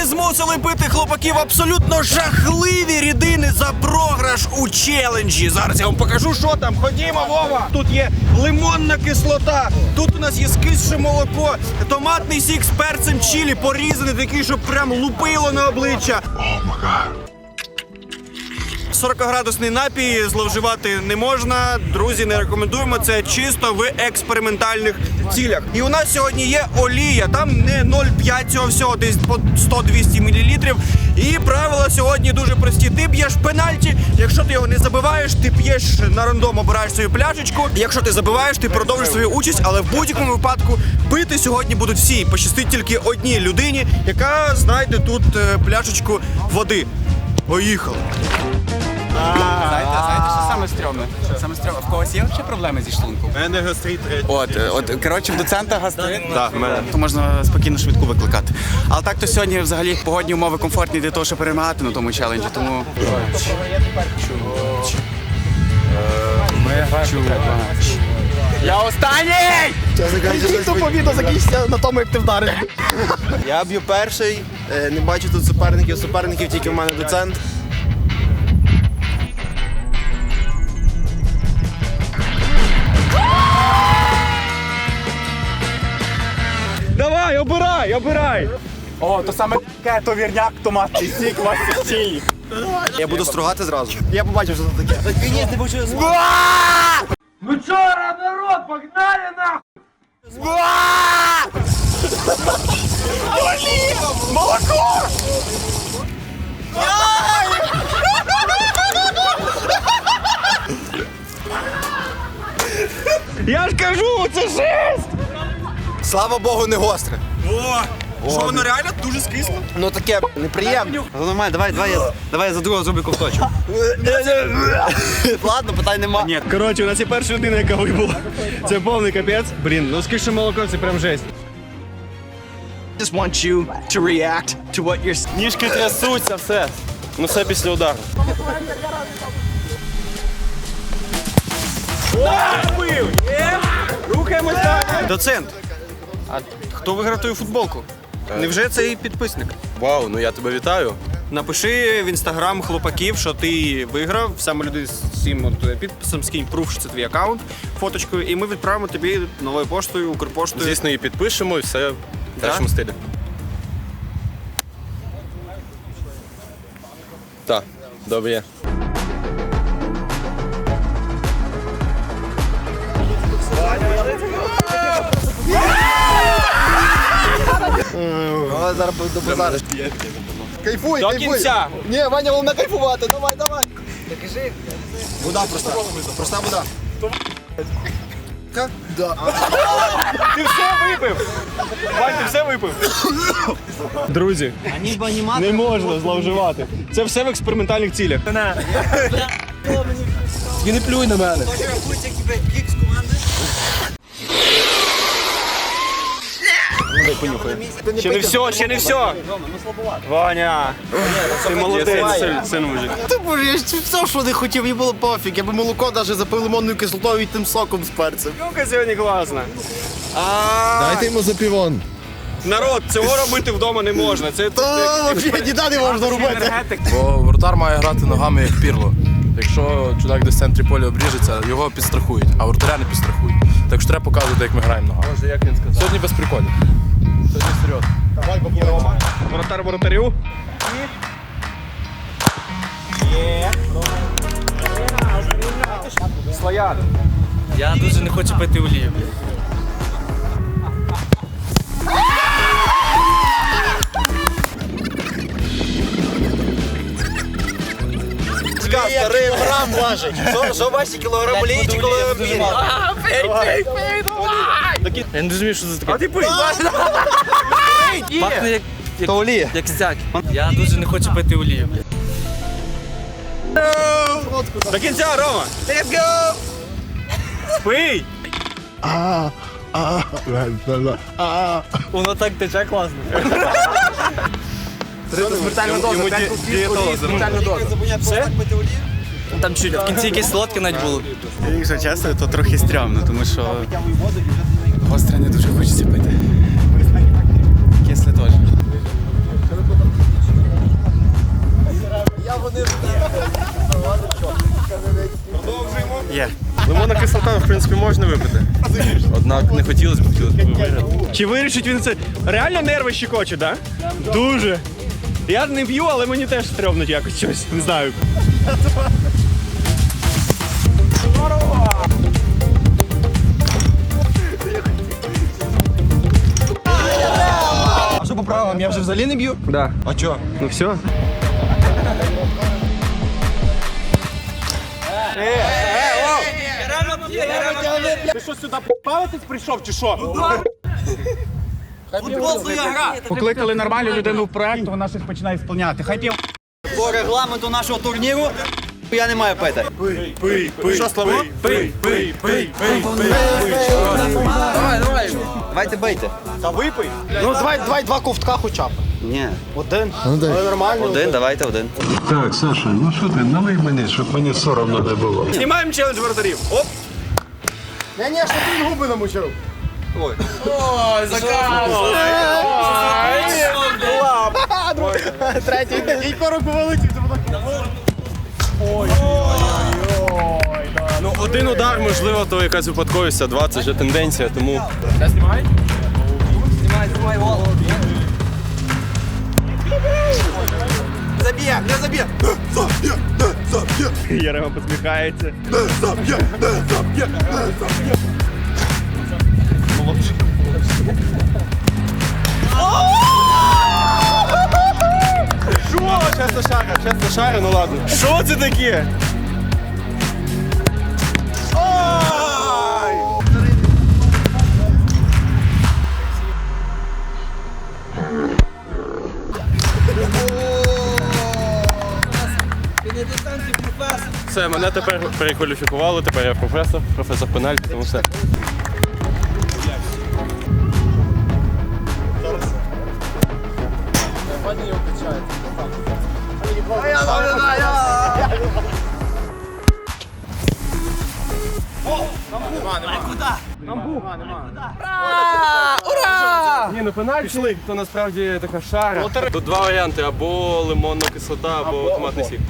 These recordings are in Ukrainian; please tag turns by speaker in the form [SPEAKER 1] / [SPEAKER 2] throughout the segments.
[SPEAKER 1] Ми змусили пити хлопаків абсолютно жахливі рідини за програш у челенджі. Зараз я вам покажу, що там. Ходімо, Вова! Тут є лимонна кислота, тут у нас є скисше молоко, томатний сік з перцем чилі, порізаний такий, щоб прям лупило на обличчя. 40-градусний напій зловживати не можна. Друзі, не рекомендуємо. Це чисто в експериментальних цілях. І у нас сьогодні є олія. Там не 0,5 цього всього, десь по 100-200 мл. І правила сьогодні дуже прості. Ти б'єш пенальті. Якщо ти його не забиваєш, ти п'єш на рандом, обираєш свою пляшечку. Якщо ти забиваєш, ти продовжиш свою участь. Але в будь-якому випадку пити сьогодні будуть всі. Пощастить тільки одній людині, яка знайде тут пляшечку води. Поїхали.
[SPEAKER 2] Знаєте, що саме стрьомне? В когось є взагалі проблеми зі шлунком?
[SPEAKER 3] У мене гастрит.
[SPEAKER 2] Коротше, в доцента гастрит.
[SPEAKER 3] Так, в мене.
[SPEAKER 2] То можна спокійно швидку викликати. Але так то сьогодні взагалі погодні умови комфортні для того, щоб перемагати на тому челенджі, тому... Я останній!
[SPEAKER 1] Тупо відео закінчиться на тому, як ти вдарив.
[SPEAKER 3] Я б'ю перший, не бачу тут суперників тільки в мене доцент.
[SPEAKER 1] Давай, обирай!
[SPEAKER 2] О, то саме таке, то вірняк, томатний сік, васик чилі.
[SPEAKER 3] Я буду стругати зразу. Я побачив, що це таке. Ні, не хочу.
[SPEAKER 4] Ну чё, народ, погнали нахуй!
[SPEAKER 2] Молоко!
[SPEAKER 1] Я ж кажу, це жесть!
[SPEAKER 3] Слава Богу, не гостре.
[SPEAKER 1] Що, воно реально дуже скисло?
[SPEAKER 3] Ну таке неприємно. Нормально, давай я за другого зроблю ковточок. Ладно, питань нема.
[SPEAKER 1] Ні, коротше, у нас є перша людина, яка вибула. Це повний капець. Блін, ну скільки молоко, це прям жесть.
[SPEAKER 2] Just want you to react to what you're...
[SPEAKER 5] Ніжки трясуться, все. Ну все після удару.
[SPEAKER 1] Рухаємось далі. Доцент, а хто виграв твою футболку? Невже цей підписник?
[SPEAKER 5] Вау, ну я тебе вітаю.
[SPEAKER 1] Напиши в інстаграм хлопаків, що ти виграв, саме люди з цим підписом, скинь пруф, що це твій аккаунт, фоточкою, і ми відправимо тобі новою поштою, Укрпоштою.
[SPEAKER 5] Звісно, її підпишемо і все в кращому стилі. Так, добре є.
[SPEAKER 3] Зараз до базару. Кайфуй,
[SPEAKER 5] До кінця.
[SPEAKER 3] Ні, Ваня, головне кайфувати. Давай. Докажи. Вода проста. Проста вода. Да.
[SPEAKER 1] Ти все випив! Вань, ти все випив! Друзі, не можна зловживати. Це все в експериментальних цілях.
[SPEAKER 3] І не плюй на мене.
[SPEAKER 1] Ще не все! Ваня! Ти молодець, син мужик.
[SPEAKER 3] Ти боже, я ж все, що не хотів, мені було пофіг. Я би молоко навіть запив лимонною кислотою і тим соком з перцем.
[SPEAKER 1] Юка сьогодні класна.
[SPEAKER 6] Дайте йому запівон.
[SPEAKER 1] Народ, цього робити вдома не можна. Це
[SPEAKER 3] Взагалі ніде не можна робити.
[SPEAKER 7] Бо воротар має грати ногами як пірло. Якщо чудак десь в центрі поля обріжеться, його підстрахують, а воротаря не підстрахують. Так що треба показувати, як ми граємо ногами.
[SPEAKER 5] Може, як він сказав?
[SPEAKER 7] Сьогодні без приколів. Сьогодні серйозно.
[SPEAKER 1] воротар воротарю. Слоян.
[SPEAKER 2] Я дуже не хочу пити олію.
[SPEAKER 3] Старий грам важить. Що ваші кілограм олії чи кілограм піни?
[SPEAKER 5] Я не розумію, що це таке.
[SPEAKER 1] А ти пий.
[SPEAKER 2] Пахне
[SPEAKER 3] То олія.
[SPEAKER 2] як стяк. Я дуже не хочу пити олію.
[SPEAKER 1] До кінця, Рома.
[SPEAKER 3] Let's go!
[SPEAKER 1] Пий.
[SPEAKER 2] Воно так тече класно.
[SPEAKER 3] Смертельна доза, 5 кусків, смертельна доза. Все?
[SPEAKER 2] Там чуть в кінці якесь солодке навіть було. Якщо чесно, то трохи стрьомно, тому що гостре не дуже хочеться пити. Кисле теж.
[SPEAKER 5] Лимонна кислота, в принципі, можна випити. Однак не хотілося б виграти.
[SPEAKER 1] Чи вирішить він це? Реально нерви щекочуть, так? Да? Дуже. Я не п'ю, але мені теж стрьомно якось щось. Не знаю.
[SPEAKER 3] А що по правилам? Я вже взагалі не б'ю?
[SPEAKER 1] Да.
[SPEAKER 3] А чо?
[SPEAKER 1] Ну все. Ти що сюди бавитись прийшов чи що?
[SPEAKER 2] Покликали нормальну людину в проект, вона щось починає сповняти. Хай п'є.
[SPEAKER 8] По регламенту нашого турніру я не маю пити.
[SPEAKER 1] Що, Славо?
[SPEAKER 8] Давайте бийте.
[SPEAKER 1] Та випий.
[SPEAKER 3] Ну давай два ковтка хоча б.
[SPEAKER 8] Ні.
[SPEAKER 3] Один.
[SPEAKER 6] Ну дай.
[SPEAKER 3] Але нормально.
[SPEAKER 8] Один, давайте один.
[SPEAKER 9] Так, Саша, ну що ти, налий мені, щоб мені соромно не було.
[SPEAKER 1] Знімаємо челендж воротарів. Оп.
[SPEAKER 3] Ні, що ти він губи намочив. Третій. Кілько руку вилетів.
[SPEAKER 5] Ну, один удар, можливо, то якась випадковість, а два – це вже тенденція, тому...
[SPEAKER 3] Заб'є, не заб'є.
[SPEAKER 1] Єрема посміхається.
[SPEAKER 5] Що? Чесно шара, ну ладно.
[SPEAKER 1] Що це таке?
[SPEAKER 5] Все, мене тепер перекваліфікували, тепер я професор пенальті, тому все. Ні, ну пенальті, то насправді така шара. Тут два варіанти, або лимонна кислота, або томатний сік.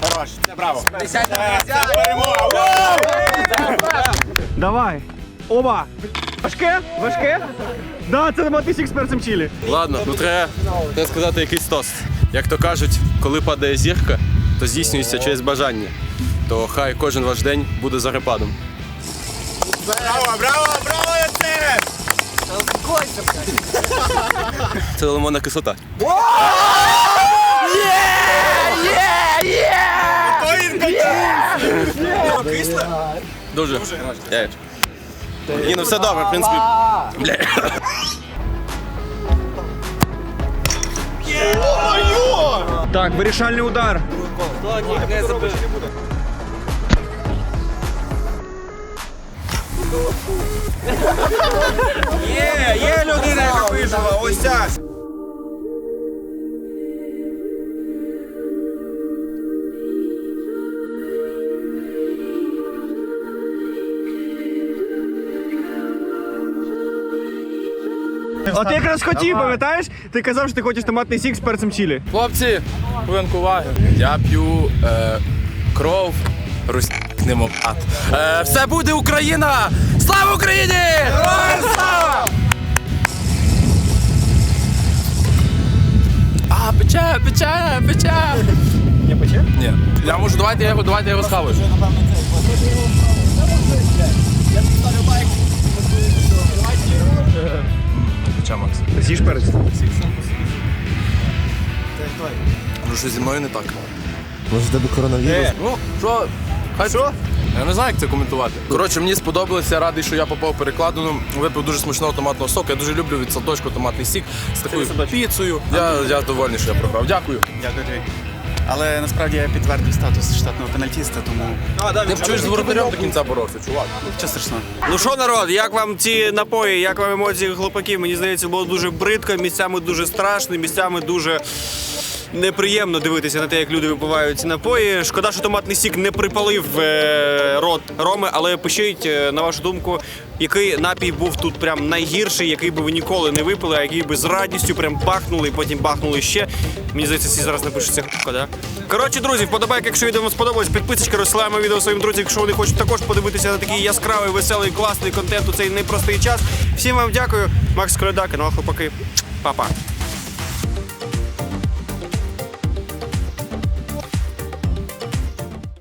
[SPEAKER 1] Давай. Оба. Важке? Важке? Да, це матисік з перцем чилі.
[SPEAKER 5] Ладно, ну треба сказати якийсь тост. Як то кажуть, коли падає зірка, то здійснюється через бажання. То хай кожен ваш день буде зарепадом. Це лимонна кислота. Дуже. Ні, ну все добре, в принципі. Бля.
[SPEAKER 1] Так, вирішальний удар. Є людина, яка вижила, ось ця. От я якраз хотів, пам'ятаєш? Ти казав, що ти хочеш томатний сік з перцем чилі.
[SPEAKER 7] Хлопці, хвилинку уваги. Я п'ю кров руснемократ. Все буде Україна! Слава Україні! Героям слава! А, пече.
[SPEAKER 1] Не пече?
[SPEAKER 7] Ні. Я можу, давайте я його схаваю. Пече, Макс.
[SPEAKER 1] З'їж перець.
[SPEAKER 7] Ну що зі мною не так.
[SPEAKER 6] Може в тебе коронавірус?
[SPEAKER 7] Ну, що? Хай що? Я не знаю, як це коментувати. Коротше, мені сподобалося, я радий, що я попав перекладину. Випив дуже смачного томатного соку. Я дуже люблю від садочку томатний сік з такою піцею. Я довольний, що я програв. Дякую.
[SPEAKER 2] Дякую тобі. Але насправді я підтвердив статус штатного пенальтіста, тому
[SPEAKER 7] Ти б чуєш з воротарем до кінця боровся, чувак.
[SPEAKER 2] що страшного.
[SPEAKER 1] Ну що, народ, як вам ці напої, як вам емоції хлопаків? Мені здається, було дуже бридко, місцями дуже страшно, місцями дуже неприємно дивитися на те, як люди випивають ці напої. Шкода, що томатний сік не припалив рот Роми, але пишіть, на вашу думку, який напій був тут прям найгірший, який би ви ніколи не випили, а який би з радістю прям бахнули і потім бахнули ще. Мені здається, всі зараз напишуть, це х**ка, да? Коротше, друзі, вподобайки, якщо відео вам сподобалось, підписочка, розсилаємо відео своїм друзям, якщо вони хочуть також подивитися на такий яскравий, веселий, класний контент у цей непростий час. Всім вам дякую. Макс Коляда, канал Хлопаки. Па-па.